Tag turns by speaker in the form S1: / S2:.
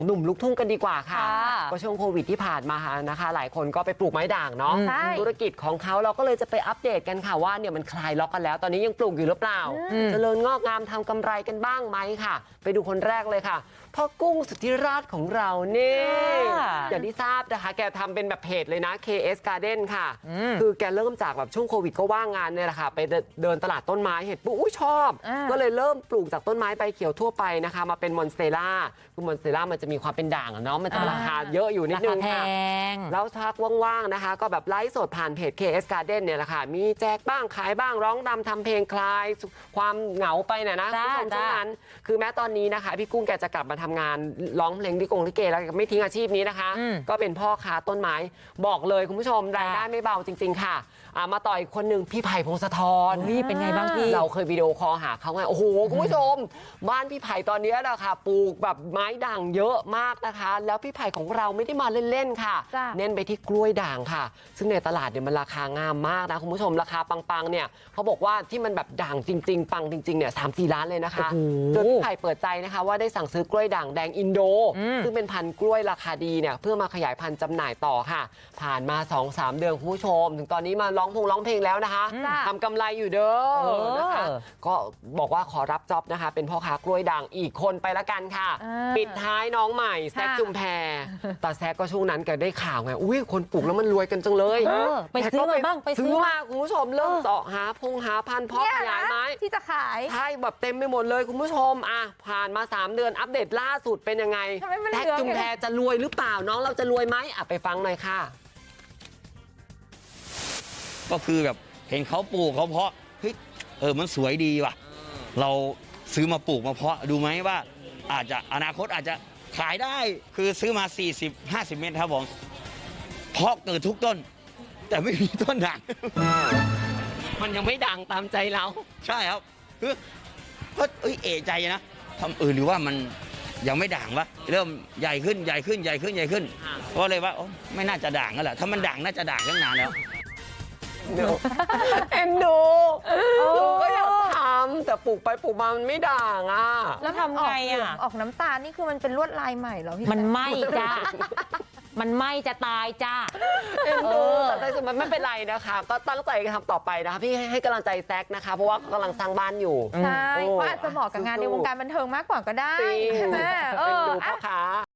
S1: หนุ่มลูกทุ่งกันดีกว่าค่ะก็ช่วงโควิดที่ผ่านมานะคะหลายคนก็ไปปลูกไม้ด่างเนาะธุรกิจของเขาเราก็เลยจะไปอัปเดตกันค่ะว่าเนี่ยมันคลายล็อกกันแล้วตอนนี้ยังปลูกอยู่หรือเปล่าเจริญงอกงามทำกำไรกันบ้างไหมค่ะไปดูคนแรกเลยค่ะพ่อกุ้งสุทธิราชของเราเนี่ยอย่างที่ทราบนะคะแกทำเป็นแบบเพจเลยนะ KS Garden ค่ะคือแกเริ่มจากแบบช่วงโควิดก็ว่างงานเนี่ยแหละค่ะไปเดินตลาดต้นไม้เห็นปุ๊บชอบก็เลยเริ่มปลูกจากต้นไม้ใบเขียวทั่วไปนะคะมาเป็นมอนสเตล่าคือมอนสเตล่ามันจะมีความเป็นด่างเนาะมันจะราคาเยอะอยู่นิดนึงค่ะแล้วทักว่างๆนะคะก็แบบไลฟ์สดผ่านเพจ KS Garden เนี่ยแหละค่ะมีแจกบ้างขายบ้างร้องรำทำเพลงคลายความเหงาไปนะคุณผู้ชมช่วงนั้นคือแม้ตอนนี้นะคะพี่กุ้งแกจะกลับมาทำงานร้องเพลงลิเกแล้วไม่ทิ้งอาชีพนี้นะคะก็เป็นพ่อค้าต้นไม้บอกเลยคุณผู้ชมรายได้ไม่เบาจริงๆค่ะมาต่ออีกคนหนึ่งพี่ไผ่พงศธร
S2: เป็นไงบ้างพี่
S1: เราเคยวิดีโอคอลหาเขาไงโอ้โหคุณผู้ชมบ้านพี่ไผ่ตอนนี้นะคะปลูกแบบไม้ด่างเยอะมากนะคะแล้วพี่ไผ่ของเราไม่ได้มาเล่นๆค่ะเน้นไปที่กล้วยด่างค่ะซึ่งในตลาดเนี่ยมันราคางามมากนะคุณผู้ชมราคาปังๆเนี่ยเขาบอกว่าที่มันแบบด่างจริงๆปังจริงๆเนี่ย3-4 ล้านเลยนะคะโดยพี่ไผ่เปิดใจนะคะว่าได้สั่งซื้อกล้วยด่างแดงอินโดซึ่งเป็นพันธุ์กล้วยราคาดีเนี่ยเพื่อมาขยายพันธุ์จำหน่ายต่อค่ะผ่านมา 2-3 เดือนคุณผู้ชมถึงตอนนี้มาร้องเพลงแล้วนะคะทำกำไรอยู่เด้อนะคะก็บอกว่าขอรับจ็อบนะคะเป็นพ่อค้ากล้วยด่างอีกคนไปละกันค่ะปิดท้ายน้องใหม่แซคชุมแพแต่แซคก็ช่วงนั้นก็ได้ข่าวไงอุ้ยคนปลูกแล้วมันรวยกันจังเลย
S2: ไปซื้อมาบ้างไปซื้อ
S1: มาคุณผู้ชมเริ่มเจาะหาพันธุ์เพาะขยายไม้
S3: ที่จะขาย
S1: ใช่แบบเต็มไปหมดเลยคุณผู้ชมผ่านมา3 เดือนอัปเดตล่าสุดเป็นยังไงแซคชุมแพจะรวยหรือเปล่าน้องเราจะรวยไหมไปฟังหน่อยค่ะ
S4: ก็คือแบบเห็นเขาปลูกเขาเพาะเฮ้ยมันสวยดีว่ะเราซื้อมาปลูกมาเพาะดูไหมว่าอาจจะอนาคตอาจจะขายได้คือซื้อมา40-50 เมตรครับผมเพาะเกิดทุกต้นแต่ไม่มีต้นด่าง
S1: มันยังไม่ดังตามใจเรา
S4: ใช่ครับคือก็เอะใจนะทำหรือว่ามันยังไม่ด่างวะเริ่มใหญ่ขึ้นก็เลยว่าไม่น่าจะด่างแล้วแหละถ้ามันด่างน่าจะด่างตั้งนานแล้ว
S1: เอ็นดูก็อยากทำแต่ปลูกไปปลูกมามันไม่ด่าง
S3: แล้วทำไงออกน้ำตาลนี่คือมันเป็นลวดลายใหม่เหรอพี่
S2: มันไหม้จ้ามันไหม้จะตายจ้า
S1: เอ็นดูแต่สุดมันไม่เป็นไรนะคะก็ตั้งใจทำต่อไปนะคะพี่ให้กำลังใจแซคนะคะเพราะว่ากำลังสร้างบ้านอยู่
S3: ใช่ก็อาจจะเหมาะกับงานในวงการบันเทิงมากกว่าก็ได้ใช่ไหม
S1: เอ็นดูพ่อค้า